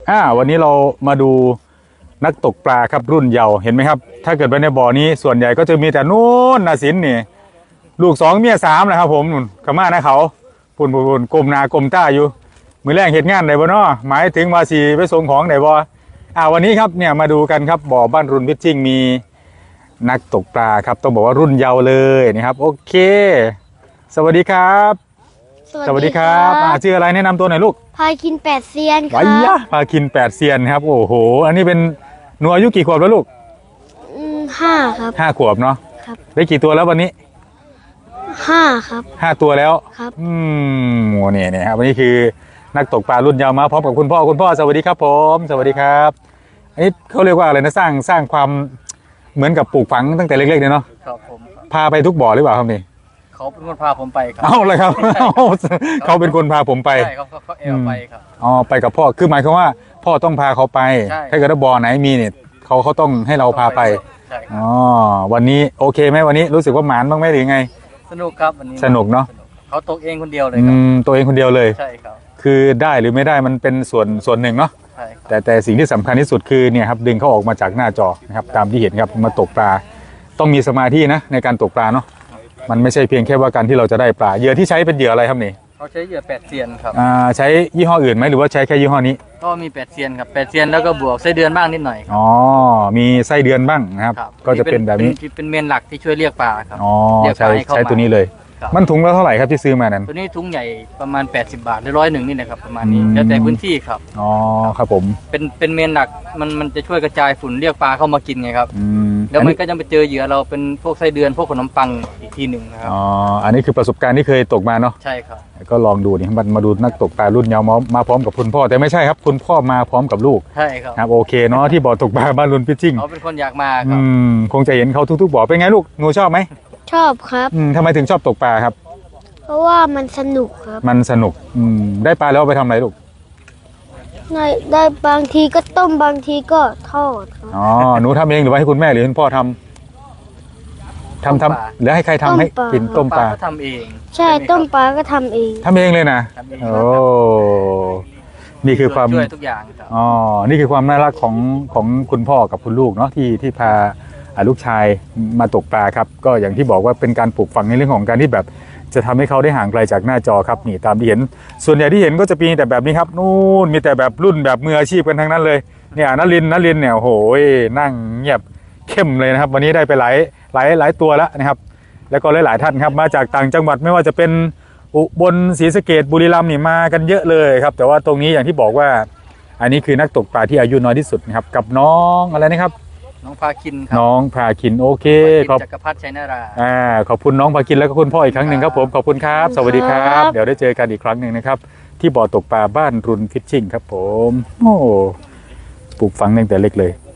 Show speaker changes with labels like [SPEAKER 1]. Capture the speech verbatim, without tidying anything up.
[SPEAKER 1] อ่าวันนี้เรามาดูนักตกปลาครับรุ่นเยาว์เห็นไหมครับถ้าเกิดไปในบ่อนี้ส่วนใหญ่ก็จะมีแต่นู่นนาสินนี่ลูกสองเมียสามนะครับผมนุ่นขม่านะเขาปุ่นปุ่นปุ่นกลมนากลมต้าอยู่มือแรกเห็นงานไหนบ่เนาะหมายถึงมาสีไปส่งของไหนบ่อ่าวันนี้ครับเนี่ยมาดูกันครับบ่อบ้านรุ่นพิชชิ่งมีนักตกปลาครับต้องบอกว่ารุ่นเยาว์เลยนะครับโอเคสวัสดีครับสวัสดีครับอ่าชื่ออะไรแนะนำตัวหน่อยลูก
[SPEAKER 2] พาคินแปดเซียนค
[SPEAKER 1] ไว้
[SPEAKER 2] รับ
[SPEAKER 1] ยะพาคินแปดเซียนครับโอ้โหอันนี้เป็นหนูอายุกี่ขวบแล้วลูก
[SPEAKER 2] อืมห้าครับ
[SPEAKER 1] ห้าขวบเนาะ
[SPEAKER 2] ครับ
[SPEAKER 1] ได้กี่ตัวแล้ววันนี้
[SPEAKER 2] ห้าครับ
[SPEAKER 1] ห้าตัวแล้ว
[SPEAKER 2] ครับ
[SPEAKER 1] อืมโหเนี่ยเนี่ยครับวันนี้คือนักตกปลารุ่นเยาว์มาพร้อมกับคุณพ่อคุณพ่อสวัสดีครับผมสวัสดีครับอันนี้เขาเรียกว่าอะไรนะสร้างสร้างความเหมือนกับปลูกฝังตั้งแต่เล็กๆเนี่ยเนาะ
[SPEAKER 3] ครับผมครับ
[SPEAKER 1] พาไปทุกบ่อหรือเปล่าครับนี่
[SPEAKER 3] เขาเป็นคนพาผมไปครั
[SPEAKER 1] เอาเลยครับ เขาเป็นคนพาผมไป
[SPEAKER 3] ใช่เขาเขาเขาแอลไปครับ
[SPEAKER 1] อ๋อไปกับพ่อคือหมายความว่าพ่อต้องพาเขาไป
[SPEAKER 3] ใช่
[SPEAKER 1] ถ้าเกิดว่าบ่อไหนมีเนี่ยเขาเขาต้องให้เราพาไป
[SPEAKER 3] ใช่ครับ
[SPEAKER 1] อ๋อวันนี้โอเคไหมวันนี้รู้สึกว่าหมานบ้างไหมหรือไง
[SPEAKER 3] สนุกครับวันนี้
[SPEAKER 1] สนุกเนอะ
[SPEAKER 3] เขาตกเองคนเดียวเลย
[SPEAKER 1] อื
[SPEAKER 3] ครับ
[SPEAKER 1] มตัวเองคนเดียวเลย
[SPEAKER 3] ใช่ครับ
[SPEAKER 1] คือได้หรือไม่ได้มันเป็นส่วนส่วนหนึ่งเนาะ
[SPEAKER 3] ใช่ครับ
[SPEAKER 1] แต่แต่สิ่งที่สำคัญที่สุดคือเนี่ยครับดึงเขาออกมาจากหน้าจอนะครับตามที่เห็นครับมาตกปลาต้องมีสมาธินะในการตกปลาเนาะมันไม่ใช่เพียงแค่ว่าการที่เราจะได้ปลาเหยื่อที่ใช้เป็นเหยื่ออะไรครับนี่
[SPEAKER 3] เขาใช้เหยื่อแปดเซียนครับ
[SPEAKER 1] อ่าใช้ยี่ห้ออื่นไหมหรือว่าใช้แค่ยี่ห้อนี้
[SPEAKER 3] ก็มีแปดเซียนครับแปดเซียนแล้วก็บวกไส้เดือนบ้างนิดหน่อยครับ
[SPEAKER 1] อ๋อมีไส้เดือนบ้างนะครับ
[SPEAKER 3] ครับ
[SPEAKER 1] ก็จะเป็นแบบนี้
[SPEAKER 3] เป็นเป็นเมนหลักที่ช่วยเรียกปลาครับ
[SPEAKER 1] อ๋อ
[SPEAKER 3] เรียกป
[SPEAKER 1] ใช้
[SPEAKER 3] ลาให้เข้า
[SPEAKER 1] ใช้
[SPEAKER 3] มา
[SPEAKER 1] ตัวนี้เลย
[SPEAKER 3] ครับ
[SPEAKER 1] มันถุงละเท่าไหร่ครับที่ซื้อมานั้น
[SPEAKER 3] ตัวนี้ทุงใหญ่ประมาณแปดสิบบาทหรือร้อยหนึ่งนี่นะครับประมาณนี้
[SPEAKER 1] อืม
[SPEAKER 3] แล้วแต่พื้นที่ครับ
[SPEAKER 1] อ๋อครับผม
[SPEAKER 3] เป็นเป็นเมนหลักมันมันจะช่วยกระจายฝุ่นเรียกปลาเข้ามากินไงครับ
[SPEAKER 1] อืม
[SPEAKER 3] แล้ว
[SPEAKER 1] อัน
[SPEAKER 3] มัน
[SPEAKER 1] นี้
[SPEAKER 3] ก็จะไปเจอเหยื่อเราเป็นพวกไส้เดือนพวกขนมปังอีกทีหนึ่งนะครับ
[SPEAKER 1] อ๋ออันนี้คือประสบการณ์ที่เคยตกมาเนาะ
[SPEAKER 3] ใช่ครับ
[SPEAKER 1] ก็ลองดูนี่มันมาดูนักตกปลารุ่นเยาว์มามาพร้อมกับคุณพ่อแต่ไม่ใช่ครับคุณพ่อมาพร้อมกับลูก
[SPEAKER 3] ใช่ครับ
[SPEAKER 1] ครับโอเคเนาะที่บ่อตกปลาบ้านรุ่นพิชชิ่ง
[SPEAKER 3] เขาเป็นคนอยากมาค
[SPEAKER 1] อื
[SPEAKER 3] รับ
[SPEAKER 1] มคงจะเห็นเขาทุกๆบ่อเป็นไงลูกหนูชอบไหม
[SPEAKER 2] ชอบครับ
[SPEAKER 1] อืมทำไมถึงชอบตกปลาครับ
[SPEAKER 2] เพราะว่ามันสนุกครับ
[SPEAKER 1] มันสนุกอืมได้ปลาแล้วเอาไปทำอะไรลูก
[SPEAKER 2] ได้ได้บางทีก็ต้มบางทีก็ทอดครับ
[SPEAKER 1] อ๋อหนูทำเองหรือว่าให้คุณแม่หรือคุณพ่อทำทำทำหรือให้ใครทำให้กินต้มปลา
[SPEAKER 3] ก็ทำเอง
[SPEAKER 2] ใช่ต้มปลาก็ทำเอง
[SPEAKER 1] ทำเองเลยนะ
[SPEAKER 3] ทำเอง
[SPEAKER 1] โอ้นี่คือความ
[SPEAKER 3] ช่วยทุกอย่างครับ
[SPEAKER 1] อ๋อ นี่คือความน่ารักของของคุณพ่อกับคุณลูกเนาะที่ที่พาอ่าลูกชายมาตกปลาครับ ก็อย่างที่บอกว่าเป็นการปลูกฝังในเรื่องของการที่แบบจะทำให้เขาได้ห่างไกลจากหน้าจอครับนี่ตามที่เห็น ส่วนใหญ่ที่เห็นก็จะมีแต่แบบนี้ครับนู่นมีแต่แบบรุ่นแบบมืออาชีพกันทั้งนั้นเลยเนี่ยนลินนลินเนี่ยโอ้โหนั่งเงียบเข้มเลยนะครับ วันนี้ได้ไปหลายหลายหลายตัวแล้วนะครับ แล้วก็หลายๆท่านครับมาจากต่างจังหวัดไม่ว่าจะเป็นอุบลศรีสะเกษบุรีรัมย์นี่มากันเยอะเลยครับแต่ว่าตรงนี้อย่างที่บอกว่า อันนี้คือนักตกปลาที่อายุน้อยที่สุดนะครับกับน้องอะไรนะครับ
[SPEAKER 3] น้องพาคินครั
[SPEAKER 1] น้องพาคินโอเค
[SPEAKER 3] พา
[SPEAKER 1] ขอบ
[SPEAKER 3] คินจักรพัฒน์ชัยนารา
[SPEAKER 1] อ่าขอบคุณน้องพาคินแล้วก็คุณพ่ออีกครั้งหนึ่งครับผมขอบคุณครับสวัสดีครับ เดี๋ยวได้เจอกันอีกครั้งหนึ่งนะครับที่บ่อตกปลาบ้านรุนฟิชชิ่งครับผมโอ้ปลูกฝังตั้งแต่เล็กเลย